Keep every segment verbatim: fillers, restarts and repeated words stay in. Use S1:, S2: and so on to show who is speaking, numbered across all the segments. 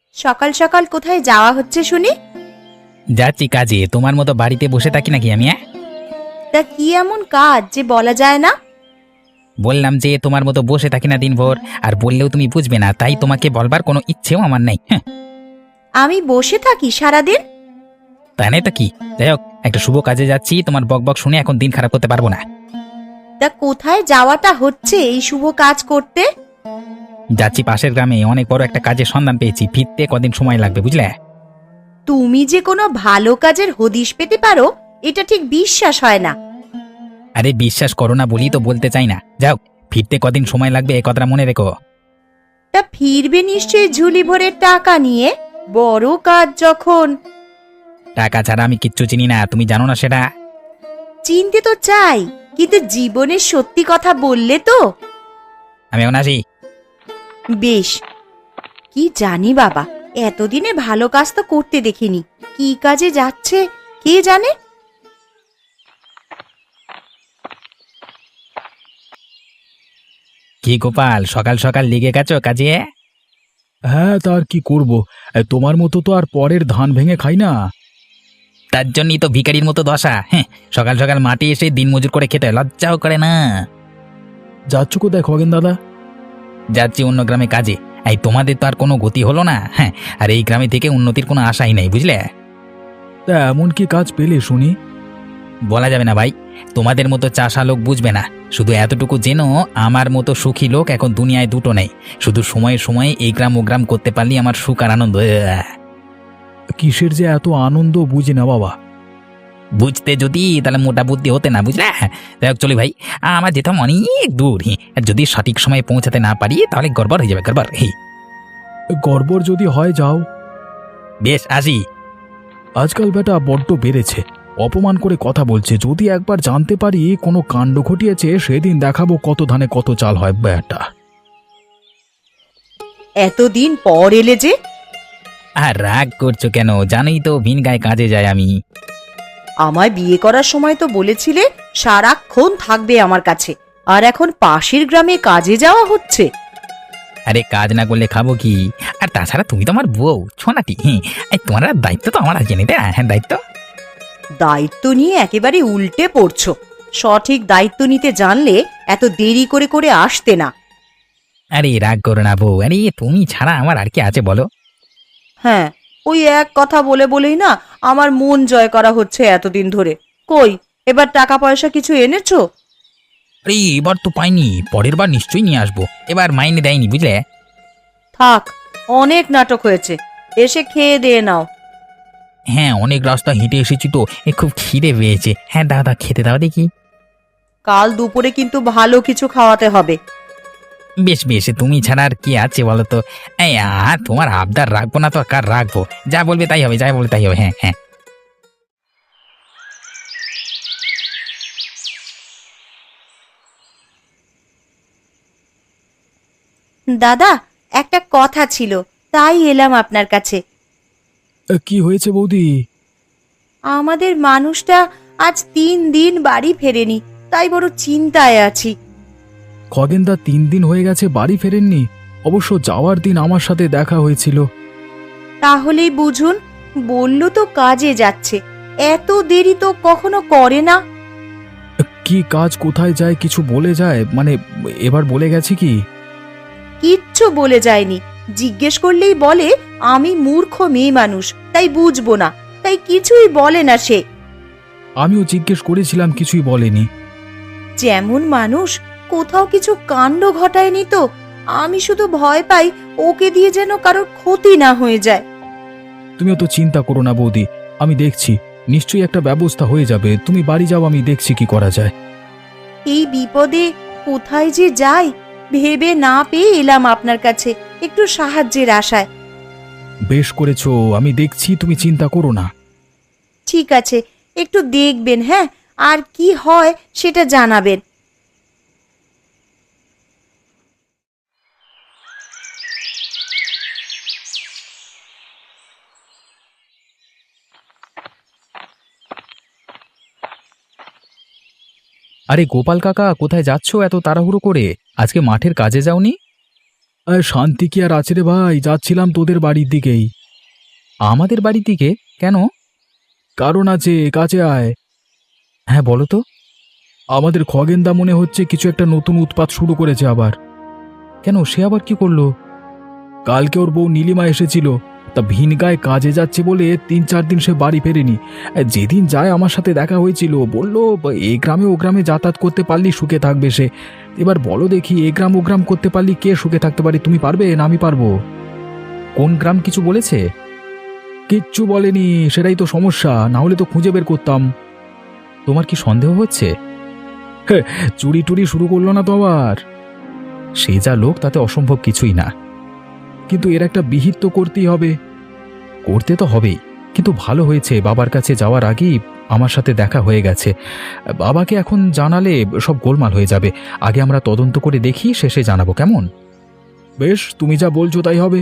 S1: সকাল সকাল কোথায় যাওয়া হচ্ছে শুনি?
S2: যাচ্ছি কাজে। তোমার মতো বাড়িতে বসে থাকি নাকি আমি? হ্যাঁ,
S1: তা কি এমন কাজ যে বলা যায় না?
S2: বললাম যে তোমার মতো বসে থাকি না দিনভর, আর বললেও তুমি বুঝবে না, তাই তোমাকে বলবার কোনো ইচ্ছেও আমার নেই। হ্যাঁ,
S1: আমি বসে থাকি সারাদিন?
S2: তাই নাই তো কি। যাই হোক, একটা শুভ কাজে যাচ্ছি, তোমার বক বক শুনে এখন দিন খারাপ করতে পারবো না।
S1: তা কোথায় যাওয়াটা হচ্ছে এই শুভ কাজ করতে?
S2: যাচ্ছি পাশের গ্রামে, অনেক বড় একটা কাজের সন্ধান পেয়েছি, ফিরতে কদিন সময় লাগবে বুঝলে।
S1: তুমি যে কোনো ভালো কাজের হদিশ পেতে পারো এটা ঠিক বিশ্বাস হয় না।
S2: আরে বিশ্বাস করো না বলি তো বলতে চাই না। যাও, ফিরতে কদিন সময় লাগবে এ কথাটা মনে রেখো।
S1: তা ফিরবে নিশ্চয়ই ঝুলি ভরে টাকা নিয়ে, বড় কাজ যখন।
S2: টাকা ছাড়া আমি কিচ্ছু চিনি না, তুমি জানো না সেটা।
S1: চিনতে তো চাই, কিন্তু জীবনের সত্যি কথা বললে তো।
S2: আমি এখন আসি।
S1: বেশ। কি জানি বাবা, এতদিনে ভালো কাজ তো করতে দেখিনি, কি কাজে যাচ্ছে কে জানে।
S2: কি গোপাল, সকাল সকাল লেগে গেছো কাজে?
S3: হ্যাঁ, তার কি করব। এ, তোমার মতো তো আর পরের ধান ভেঙে খাই না।
S2: তার জন্যই তো ভিখারির মতো দশা। হ্যাঁ, সকাল সকাল মাঠে এসে দিন মজুর করে খেতে হয়, লজ্জাও করে না।
S3: যাচ্ছ কোথায় খগেন দাদা?
S2: যাচ্ছি অন্য গ্রামে কাজে। এই তোমাদের তো আর কোনো গতি হলো না। হ্যাঁ, আর এই গ্রামে থেকে উন্নতির কোনো আশাই নেই বুঝলে।
S3: তা এমন কি কাজ পেলে শুনি?
S2: বলা যাবে না ভাই, তোমাদের মতো চাষা লোক বুঝবে না। শুধু এতটুকু জেনো, আমার মতো সুখী লোক এখন দুনিয়ায় দুটো নেই। শুধু সময়ে সময়ে এই গ্রাম ও গ্রাম করতে পারলেই আমার সুখ আর আনন্দ। আহ!
S3: কিসের যে এত আনন্দ বুঝি না বাবা।
S2: বুঝতে যদি তাহলে মোটা বুদ্ধি হতে না বুঝলে। যাই হোক চলি ভাই, আমার যেতাম অনেক দূর। হি, আর যদি সঠিক সময়ে পৌঁছাতে না পারি তাহলে গড়বড় হয়ে যাবে, গড়বড়। হি,
S3: গড়বড় যদি হয় যাও।
S2: বেশ আসি।
S3: আজকাল বেটা বড্ড বেড়েছে, অপমান করে কথা বলছে। যদি একবার জানতে পারি কোনো কাণ্ড ঘটিয়েছে, সেদিন দেখাবো কত ধানে কত চাল হয় বেটা।
S1: এতদিন পর এলে যে?
S2: আর রাগ করছো কেন? জানোই তো ভিন গায়ে কাজে যায় আমি।
S1: আমায় বিয়ে করার সময় তো বলেছিলে সারাক্ষণ থাকবে আমার কাছে, আর এখন পাশের গ্রামে কাজে যাওয়া হচ্ছে।
S2: আরে কাজ না করলে খাবো কি? আর তাছাড়া তুমি তো আমার বউ ছোনাটি। হ্যাঁ, এই তোমার আর দায়িত্ব তো আমার আছে নিতে। হ্যাঁ, দায়িত্ব।
S1: দায়িত্ব নিয়ে একেবারে উল্টে পড়ছো। সঠিক দায়িত্ব নিতে জানলে এত দেরি করে করে আসতে না।
S2: আরে রাগ করো না বউ, আরে তুমি ছাড়া আমার আর কি আছে বলো।
S1: হ্যাঁ, ওই এক কথা বলে বলেই না আমার মন জয় করা হচ্ছে এতদিন ধরে। কই, এবার টাকা পয়সা কিছু এনেছো?
S2: আরে এবার তো পাইনি, পরের বার নিশ্চয়ই নিয়ে আসবো। এবার মাইনে দেয়নি বুঝলে।
S1: থাক, অনেক নাটক হয়েছে, এসে খেয়ে দিয়ে নাও।
S2: হ্যাঁ, অনেক রাস্তা হেঁটে এসেছি তো, এ খুব খিদে পেয়েছে। হ্যাঁ দাদা, খেতে দাও দেখি।
S1: কাল দুপুরে কিন্তু ভালো কিছু খাওয়াতে হবে।
S2: বেশ বেশ, তুমি ছাড়া আর কি আছে বলো তো। এই আর তোমার আবদার রাখবো না তো আর কার রাখবো? যা বলবে তাই হবে, যাই বলবে তাই হবে। হ্যাঁ হ্যাঁ।
S1: দাদা, একটা কথা ছিল, তাই এলাম আপনার কাছে।
S3: এ, কি হয়েছে বৌদি?
S1: আমাদের মানুষটা আজ তিন দিন বাড়ি ফেরেনি, তাই বড় চিন্তায় আছি।
S3: খগেনদা তিন দিন হয়ে গেছে বাড়ি ফেরেননি? অবশ্য যাওয়ার দিন আমার সাথে দেখা হয়েছিল।
S1: তাহলেই বুঝুন, বলল তো কাজে যাচ্ছে, এত দেরি তো কখনো করে না।
S3: কি কাজ, কোথায় যায় কিছু বলে যায়? মানে এবার বলে গেছে কি?
S1: কিচ্ছু বলে যায়নি। জিজ্ঞেস করলেই বলে আমি মূর্খ মেয়ে মানুষ, তাই বুঝবো না, তাই কিছুই বলে না সে।
S3: আমিও জিজ্ঞেস করেছিলাম, কিছুই বলেনি।
S1: যেমন মানুষ, কোথাও কিছু কাণ্ড ঘটায়নি তো। আমি শুধু ভয় পাই ওকে দিয়ে যেন কারোর ক্ষতি না হয়ে যায়।
S3: তুমিও তো চিন্তা করো না বৌদি, আমি দেখছি, নিশ্চয়ই একটা ব্যবস্থা হয়ে যাবে। তুমি বাড়ি যাও, আমি দেখছি কি করা যায়।
S1: এই বিপদে কোথায় যে যাই ভেবে না পেয়ে এলাম আপনার কাছে একটু সাহায্যের আশায়।
S3: বেশ করেছো, আমি দেখছি, তুমি চিন্তা করো না।
S1: ঠিক আছে, একটু দেখবেন, হ্যাঁ, আর কি হয় সেটা জানাবেন।
S3: আরে গোপাল কাকা, কোথায় যাচ্ছো এত তাড়াহুড়ো করে? আজকে মাঠের কাজে যাওনি? আরে শান্তি কি আর আছে রে ভাই, যাচ্ছিলাম তোদের বাড়ির দিকেই।
S2: আমাদের বাড়ির দিকে কেন?
S3: কারণ আছে, কাছে আয়।
S2: হ্যাঁ বলো তো।
S3: আমাদের খগেনদা মনে হচ্ছে কিছু একটা নতুন উৎপাত শুরু করেছে আবার।
S2: কেন, সে আবার কি করলো?
S3: কালকে ওর বউ নীলিমা এসেছিল, তা ভিনগায় কাজে যাচ্ছে বলে তিন চার দিন সে বাড়ি ফেরেনি। যেদিন যায় আমার সাথে দেখা হয়েছিল, বলল এই গ্রামে ও গ্রামে যাতায়াত করতে পারলি সুখে থাকবে সে। এবার বলো দেখি, এ গ্রাম ও গ্রাম করতে পারলি কে সুখে থাকতে পারে? তুমি পারবে না আমি পারবো?
S2: কোন গ্রাম কিছু বলেছে?
S3: কিচ্ছু বলেনি, সেটাই তো সমস্যা, না হলে তো খুঁজে বের করতাম।
S2: তোমার কি সন্দেহ হচ্ছে?
S3: চুরি টুরি শুরু করলো না তো আবার?
S2: সে যা লোক তাতে অসম্ভব কিছুই না।
S3: কিন্তু এর একটা বিহিত তো করতেই হবে।
S2: করতে তো হবেই, কিন্তু ভালো হয়েছে বাবার কাছে যাওয়ার আগেই আমার সাথে দেখা হয়ে গেছে। বাবাকে এখন জানালে সব গোলমাল হয়ে যাবে। আগে আমরা তদন্ত করে দেখি, শেষে জানাবো, কেমন?
S3: বেশ, তুমি যা বলছো তাই হবে।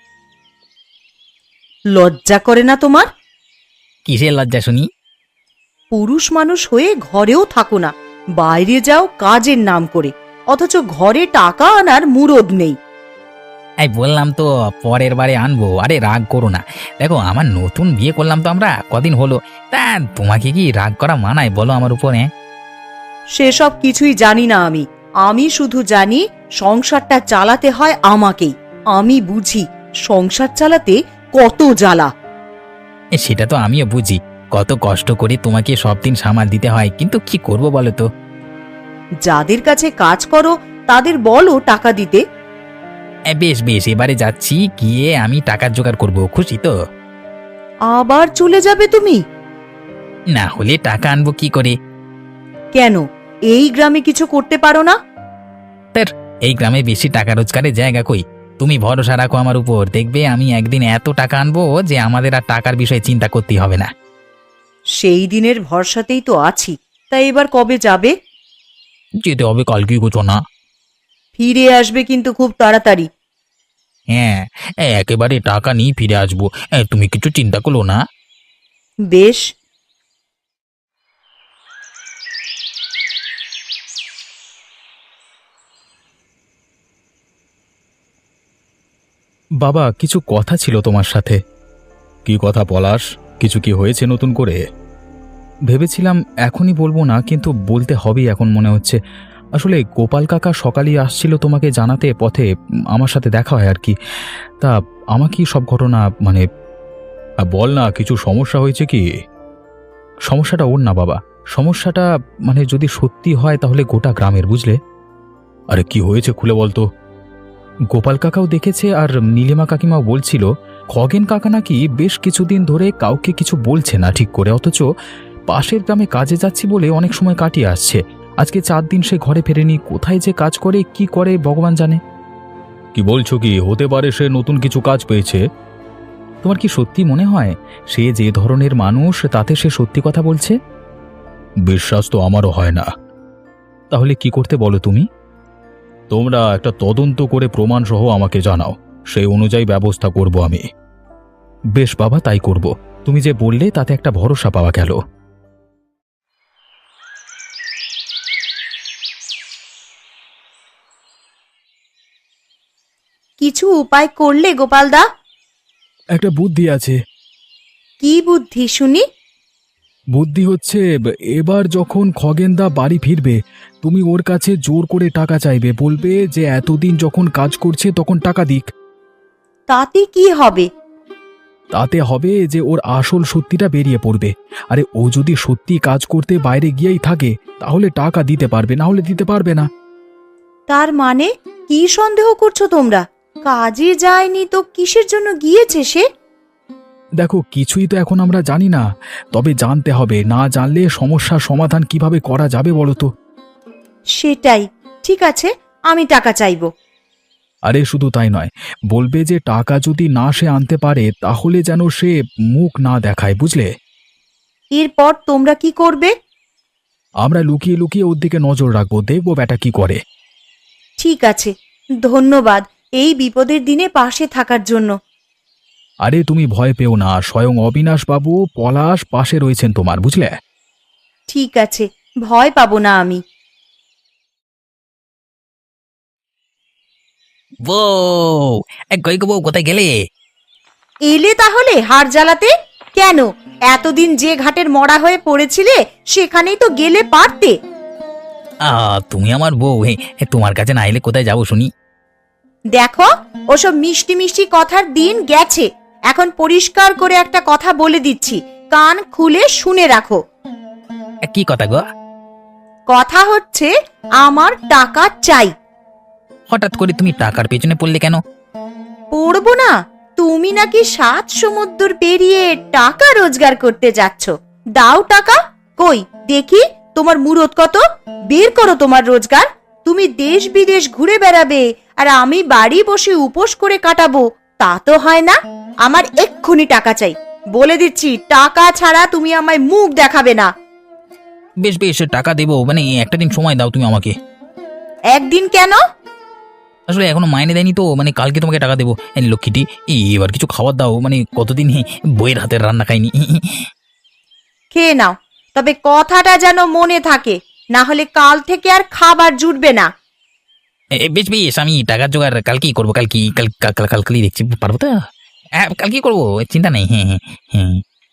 S1: লজ্জা করে না তোমার?
S2: কিসের লজ্জা শুনি?
S1: পুরুষ মানুষ হয়ে ঘরেও থাকো না, বাইরে যাও কাজের নাম করে, অথচ ঘরে টাকা আনার মুরদ নেই।
S2: এই বললাম তো পরের বারে আনবো। আরে রাগ করো না, দেখো আমার নতুন বিয়ে করলাম তো আমরা, কদিন হলো। তা তোমাকে কি রাগ করা মানায় বলো আমার উপরে?
S1: সেসব কিছুই জানি না আমি। আমি শুধু জানি সংসারটা চালাতে হয় আমাকেই। আমি বুঝি সংসার চালাতে কত জ্বালা।
S2: এ, সেটা তো আমিও বুঝি, কত কষ্ট করে তোমাকে সব দিন সামাল দিতে হয়, কিন্তু কি করব বলো তো?
S1: যাদের কাছে কাজ করো তাদের বলো টাকা দিতে।
S2: এ, বেশ বেশ, এবারে যাচ্ছি, গিয়ে আমি টাকার জোগাড় করব, খুশি তো?
S1: আবার চলে যাবে তুমি?
S2: না হলে টাকা আনবো কি করে?
S1: কেন, এই গ্রামে কিছু করতে পারো না?
S2: তার এই গ্রামে বেশি টাকা রোজগারের জায়গা কই? তুমি ভরসা রাখো আমার উপর, দেখবে আমি একদিন এত টাকা আনবো যে আমাদের আর টাকার বিষয়ে চিন্তা করতে হবে না।
S1: সেই দিনের ভরসাতেই তো আছি। তাই এবার কবে যাবে?
S2: যেতে হবে কালকে, গোছো না?
S1: ফিরে আসবে কিন্তু খুব তাড়াতাড়ি।
S2: হ্যাঁ, এ, একেবারে টাকা নিয়ে ফিরে আসবো। এ, তুমি কিছু চিন্তা করো না।
S1: বেশ।
S3: বাবা, কিছু কথা ছিল তোমার সাথে। কি কথা পলাশ? কিছু কি হয়েছে নতুন করে?
S2: ভেবেছিলাম এখনই বলবো না, কিন্তু বলতে হবেই এখন মনে হচ্ছে। আসলে গোপাল কাকা সকালেই আসছিল তোমাকে জানাতে, পথে উম, আমার সাথে দেখা হয় আর কি। তা আমাকেই সব ঘটনা মানে।
S3: আ, বল না, কিছু সমস্যা হয়েছে কি?
S2: সমস্যাটা ওর না বাবা, সমস্যাটা মানে যদি সত্যি হয় তাহলে গোটা গ্রামের, বুঝলে?
S3: আরে কি হয়েছে খুলে বলতো।
S2: গোপাল কাকাও দেখেছে আর নীলিমা কাকিমাও বলছিল খগেন কাকা নাকি বেশ কিছুদিন ধরে কাউকে কিছু বলছে না ঠিক করে, অথচ পাশের গ্রামে কাজে যাচ্ছি বলে অনেক সময় কাটিয়ে আসছে। আজকে চার দিন সে ঘরে ফেরেনি, কোথায় যে কাজ করে কি করে ভগবান জানে।
S3: কি বলছো কি? হতে পারে সে নতুন কিছু কাজ পেয়েছে।
S2: তোমার কি সত্যি মনে হয় সে যে ধরনের মানুষ তাতে সে সত্যি কথা বলছে?
S3: বিশ্বাস তো আমারও হয় না।
S2: তাহলে কি করতে বলো তুমি?
S3: তোমরা একটা তদন্ত করে প্রমাণ সহ আমাকে জানাও, সেই অনুযায়ী ব্যবস্থা করব আমি।
S2: বেশ বাবা, তাই করব। তুমি যে বললে তাতে একটা ভরসা পাওয়া গেল।
S1: কিছু উপায় করলে গোপালদা?
S3: একটা বুদ্ধি আছে।
S1: কি বুদ্ধি শুনি?
S3: বুদ্ধি হচ্ছে, এবার যখন খগেনদা বাড়ি ফিরবে তুমি ওর কাছে জোর করে টাকা চাইবে, বলবে যে এতদিন যখন কাজ করছে তখন টাকা দিক।
S1: তাতে কি হবে?
S3: তাতে হবে যে ওর আসল সত্যিটা বেরিয়ে পড়বে। আরে ও যদি সত্যি কাজ করতে বাইরে গিয়েই থাকে তাহলে টাকা দিতে পারবে, না হলে দিতে পারবে না।
S1: তার মানে কি সন্দেহ করছো তোমরা? কাজে যায়নি তো কিসের জন্য গিয়েছে সে?
S3: দেখো, কিছুই তো এখন আমরা জানি না, তবে জানতে হবে। না জানলে সমস্যার সমাধান কিভাবে করা যাবে বলো তো?
S1: সেটাই। ঠিক আছে, আমি টাকা চাইবো।
S3: আরে শুধু তাই নয়, বলবে যে টাকা যদি না সে আনতে পারে তাহলে যেন সে মুখ না দেখায়, বুঝলে?
S1: এরপর তোমরা কি করবে?
S3: আমরা লুকিয়ে লুকিয়ে ওর দিকে নজর রাখবো, দেখবো ব্যাটা কি করে।
S1: ঠিক আছে, ধন্যবাদ এই বিপদের দিনে পাশে থাকার জন্য।
S3: আরে তুমি ভয় পেও না, স্বয়ং অবিনাশ বাবু পলাশ পাশে রয়েছেন তোমার, বুঝলে?
S1: ঠিক আছে, ভয় পাবো না আমি।
S4: বউ, এ, কই গো বউ, কোথায় গেলে?
S1: এলে তাহলে হার জ্বালাতে? কেন, এতদিন যে ঘাটের মরা হয়ে পড়েছিলে সেখানেই তো গেলে পারতে।
S4: আ তুমি আমার বউ, হে হে, তোমার কাছে না এলে কোথায় যাবো শুনি?
S1: দেখো, ওসব মিষ্টি মিষ্টি কথার দিন গেছে। এখন পরিষ্কার করে একটা কথা বলে দিচ্ছি, কান খুলে শুনে রাখো।
S4: এ, কি কথা গো?
S1: কথা হচ্ছে, আমার টাকা চাই।
S4: হঠাৎ করে তুমি টাকার পেছনে পড়লে কেন?
S1: পড়বো না? তুমি নাকি সাত সমুদ্র পেরিয়ে টাকা রোজগার করতে যাচ্ছ। দাও টাকা। কই দেখি তোমার মুরত কত, বের করো তোমার রোজগার। তুমি দেশ বিদেশ ঘুরে বেড়াবে আর আমি বাড়ি বসে উপোস করে কাটাবো, তা তো হয় না। আমার এক্ষুনি টাকা চাই, বলে দিচ্ছি। টাকা ছাড়া তুমি আমায় মুখ দেখাবে না।
S4: বেশ বেশ, টাকা দেবো, মানে একটা দিন সময় দাও তুমি আমাকে।
S1: একদিন কেন?
S4: আসলে এখনো মাইনে দেয়নি তো, মানে কালকে তোমাকে টাকা দেবো। এই লক্ষ্মীটি, এই এবার কিছু খাবার দাও, মানে কতদিন হে, বইয়ের হাতের রান্না খাইনি।
S1: খেয়ে নাও, তবে কথাটা যেন মনে থাকে, না হলে কাল থেকে আর খাবার জুটবে না।
S4: এ, বেশ বেশ, আমি টাকার জোগাড় কালকেই করবো। কালকে কাল কাল কাল কালকেই দেখছি, পারবো তো? হ্যাঁ, কালকেই করবো, চিন্তা নেই। হ্যাঁ হ্যাঁ হ্যাঁ।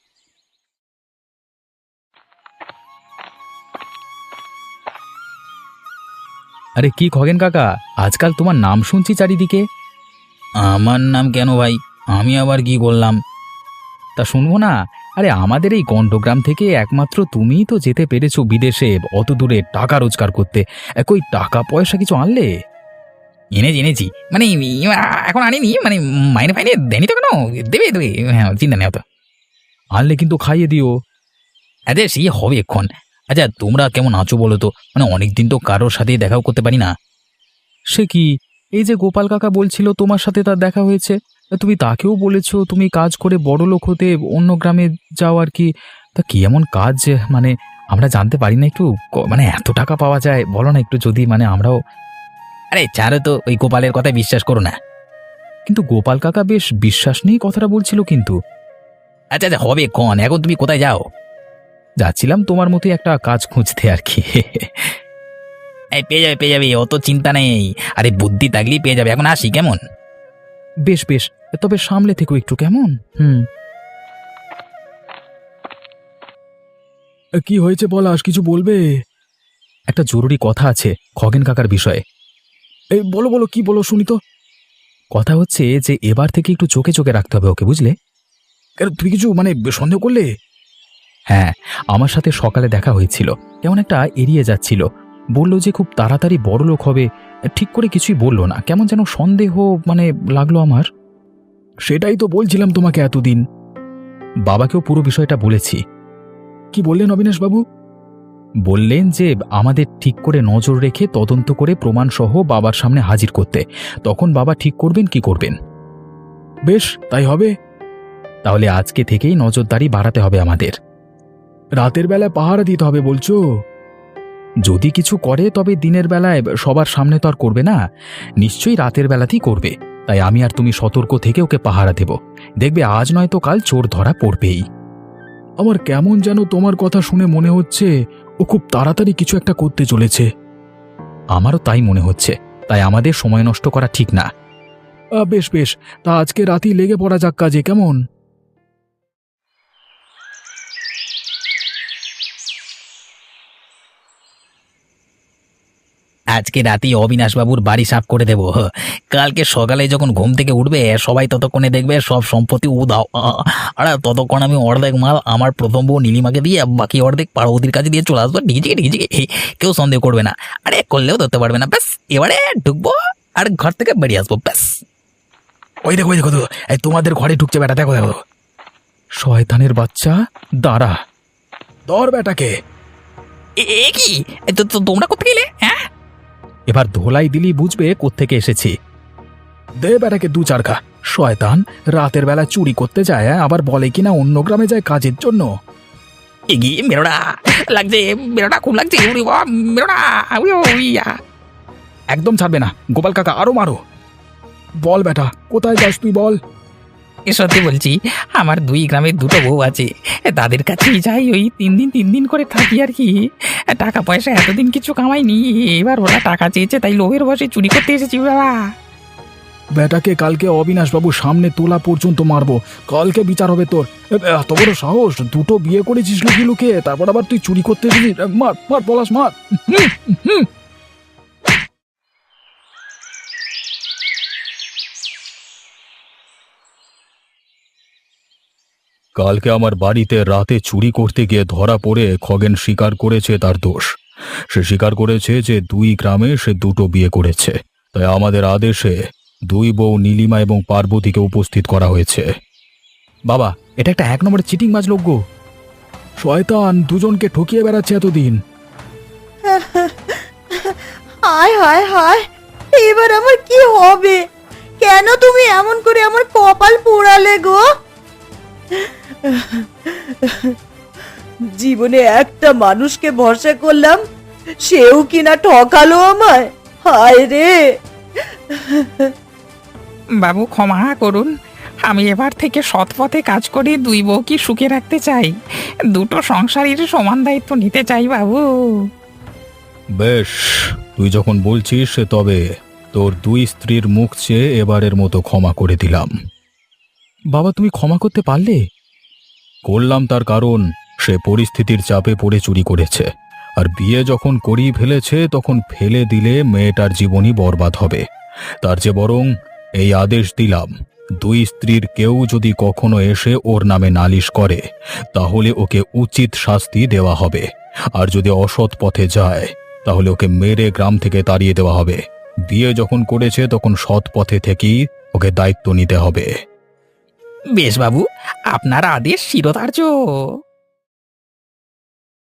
S2: আরে কি খগেন কাকা, আজকাল তোমার নাম শুনছি চারিদিকে।
S4: আমার নাম কেন ভাই? আমি আবার কি করলাম?
S2: তা শুনবো না? আরে আমাদের এই গণ্ডগ্রাম থেকে একমাত্র তুমিই তো যেতে পেরেছো বিদেশে, অত দূরে টাকা রোজগার করতে। এ, কই টাকা পয়সা কিছু আনলে?
S4: এনেছি এনেছি, মানে এখন আনিনি, মানে মাইনে ফাইনে দেয়নি তো। কেন দেবে দেবে, হ্যাঁ, চিন্তা নেই অত।
S2: আনলে কিন্তু খাইয়ে দিও।
S4: আচ্ছা সেই হবে এক্ষণ। আচ্ছা তোমরা কেমন আছো বলো তো? মানে অনেকদিন তো কারোর সাথে দেখাও করতে পারি না।
S2: সে কি, এই যে গোপাল কাকা বলছিল তোমার সাথে তার দেখা হয়েছে, তুমি তাকেও বলেছো তুমি কাজ করে বড় লোক হতে অন্য গ্রামে যাও আর কি। তা কি এমন কাজ যে মানে আমরা জানতে পারি না একটু, ক- মানে এত টাকা পাওয়া যায় বলো না একটু, যদি মানে আমরাও।
S4: আরে ছাড়ো তো, ওই গোপালের কথায় বিশ্বাস করো না।
S2: কিন্তু গোপাল কাকা বেশ বিশ্বাস নেই কথাটা বলছিল কিন্তু।
S4: আচ্ছা আচ্ছা হবে কন, এখন তুমি কোথায় যাও?
S2: যাচ্ছিলাম তোমার মতোই একটা কাজ খুঁজতে আর কি।
S4: এই পেয়ে যাবে পেয়ে যাবে, অত চিন্তা নেই। আরে বুদ্ধি থাকলেই পেয়ে যাবে। এখন আসি কেমন?
S2: বেশ বেশ, তবে সামলে থেকো একটু কেমন। হুম।
S3: কি হয়েছে পলাশ, কিছু বলবে?
S2: একটা জরুরি কথা আছে খগেন কাকার বিষয়ে।
S3: এই বলো বলো, কি বলো শুনি তো।
S2: কথা হচ্ছে যে এবার থেকে একটু চোখে চোখে রাখতে হবে ওকে, বুঝলে?
S3: কেন, তুমি কিছু মানে সন্দেহ করলে?
S2: হ্যাঁ, আমার সাথে সকালে দেখা হয়েছিল, কেমন একটা এড়িয়ে যাচ্ছিল। বলল যে খুব তাড়াতাড়ি বড় লোক হবে, ঠিক করে কিছুই বললো না, কেমন যেন সন্দেহ মানে লাগলো আমার।
S3: সেটাই তো বলছিলাম তোমাকে এতদিন।
S2: বাবাকেও পুরো বিষয়টা বলেছি।
S3: কি বললেন অবিনাশ বাবু?
S2: বললেন যে আমাদের ঠিক করে নজর রেখে তদন্ত করে প্রমাণ সহ বাবার সামনে হাজির করতে, তখন বাবা ঠিক করবেন কি করবেন।
S3: বেশ, তাই হবে।
S2: তাহলে আজকে থেকেই নজরদারি বাড়াতে হবে আমাদের।
S3: রাতের বেলায় পাহারা দিতে হবে বলছো?
S2: যদি কিছু করে তবে দিনের বেলায় সবার সামনে তো আর করবে না, নিশ্চয়ই রাতের বেলাতেই করবে। তাই আমি আর তুমি সতর্ক থেকে ওকে পাহারা দেব। দেখবে আজ নয়তো কাল চোর ধরা পড়বেই।
S3: আমার কেমন যেন তোমার কথা শুনে মনে হচ্ছে ও খুব তাড়াতাড়ি কিছু একটা করতে চলেছে।
S2: আমারও তাই মনে হচ্ছে, তাই আমাদের সময় নষ্ট করা ঠিক না।
S3: আহ, বেশ বেশ, তা আজকে রাতেই লেগে পড়া যাক কাজে, কেমন?
S4: আজকে রাতেই অবিনাশ বাবুর বাড়ি সাফ করে দেব। কালকে সকালে যখন ঘুম থেকে উঠবে সবাই ততক্ষণে দেখবে সব সম্পত্তি উদাও। আর ততক্ষণ আমি অর্ধেক মাল আমার প্রথম বউ নীলিমাকে দিয়ে বাকি অর্ধেক পার্বতীর কাছে দিয়ে চলে আসবো। ডিজে ডিজে কেউ সন্দেহ করবে না, আরে করলেও ধরতে পারবে না। ব্যাস এবারে ঢুকবো আর ঘর থেকে বেরিয়ে আসবো, ব্যাস।
S3: ওই দেখো ওই দেখো তো, এই তোমাদের ঘরে ঢুকছে বেটা, দেখো দেখো।
S2: শয়তানের বাচ্চা, দাঁড়া।
S3: ধর বেটাকে।
S4: এ এ কি, এ তো তো তোমরা কোথায় গেলে? হ্যাঁ,
S2: এবার ধোলাই দিলি বুঝবে কোত্থেকে এসেছি।
S3: দে বেটাকে দু চার খা। শয়তান রাতের বেলা চুরি করতে যায়, হ্যাঁ? আবার বলে কিনা অন্য গ্রামে যায় কাজের জন্য।
S4: এগিয়ে মেরোনা লাগছে, মেরোনা খুব লাগছে। উড়ি বাবা, মেরোনা উইয়া।
S3: একদম ছাড়বে না গোপাল কাকা, আরো মারো। বল বেটা, কোথায় যাস তুই বল।
S4: এ সত্যি বলছি, আমার দুই গ্রামের দুটো বউ আছে, তাদের কাছেই যাই, ওই তিন দিন তিন দিন করে থাকি আর কি। টাকা পয়সা এতদিন কিছু কামাইনি, এবার ওরা টাকা চেয়েছে তাই লোভের বসে চুরি করতে এসেছি বাবা।
S3: বেটাকে কালকে অবিনাশবাবুর সামনে তোলা পর্যন্ত মারবো, কালকে বিচার হবে তোর। এ, এত বড় সাহস, দুটো বিয়ে করেছিস লুকিয়ে লুকিয়ে, তারপর আবার তুই চুরি করতে এসেছিস। মার মার পলাশ মার। হুম, হুম।
S2: কালকে আমার বাড়িতে রাতে চুরি করতে গিয়ে ধরা পড়ে খগেন স্বীকার করেছে তার দোষ। সে স্বীকার করেছে যে দুই গ্রামে সে দুটো বিয়ে করেছে, তাই আমাদের আদেশে দুই বউ নীলিমা এবং পার্বতীকে উপস্থিত করা হয়েছে।
S3: বাবা, এটা একটা এক নম্বরের চিটিং মাছ লোক গো। শয়তান দুজনকে ঠকিয়ে বেড়াচ্ছে এতদিন।
S1: হায় হায় হায়, এবার আমার কি হবে? কেন তুমি এমন করে আমার কপাল পোড়ালে গো? জীবনে একটা মানুষকে ভরসা করলাম, সেও কিনা ঠকালো আমায়। হায় রে!
S5: বাবু ক্ষমা করুন, আমি এবার থেকে সৎ পথে কাজ করে দুই বউকে সুখে রাখতে চাই, দুটো সংসারের সমান দায়িত্ব নিতে চাই বাবু।
S2: বেশ, তুই যখন বলছিস তবে তোর দুই স্ত্রীর মুখ চেয়ে এবারের মতো ক্ষমা করে দিলাম।
S3: বাবা, তুমি ক্ষমা করতে পারলে?
S2: করলাম, তার কারণ সে পরিস্থিতির চাপে পড়ে চুরি করেছে, আর বিয়ে যখন করিয়ে ফেলেছে তখন ফেলে দিলে মেয়েটার জীবনই বরবাদ হবে। তার চেয়ে বরং এই আদেশ দিলাম, দুই স্ত্রীর কেউ যদি কখনো এসে ওর নামে নালিশ করে তাহলে ওকে উচিত শাস্তি দেওয়া হবে, আর যদি অসৎ পথে যায় তাহলে ওকে মেরে গ্রাম থেকে তাড়িয়ে দেওয়া হবে। বিয়ে যখন করেছে তখন সৎ পথে থেকেই ওকে দায়িত্ব নিতে হবে।
S5: বেশ বাবু, আপনার আদেশ শিরোধার্য।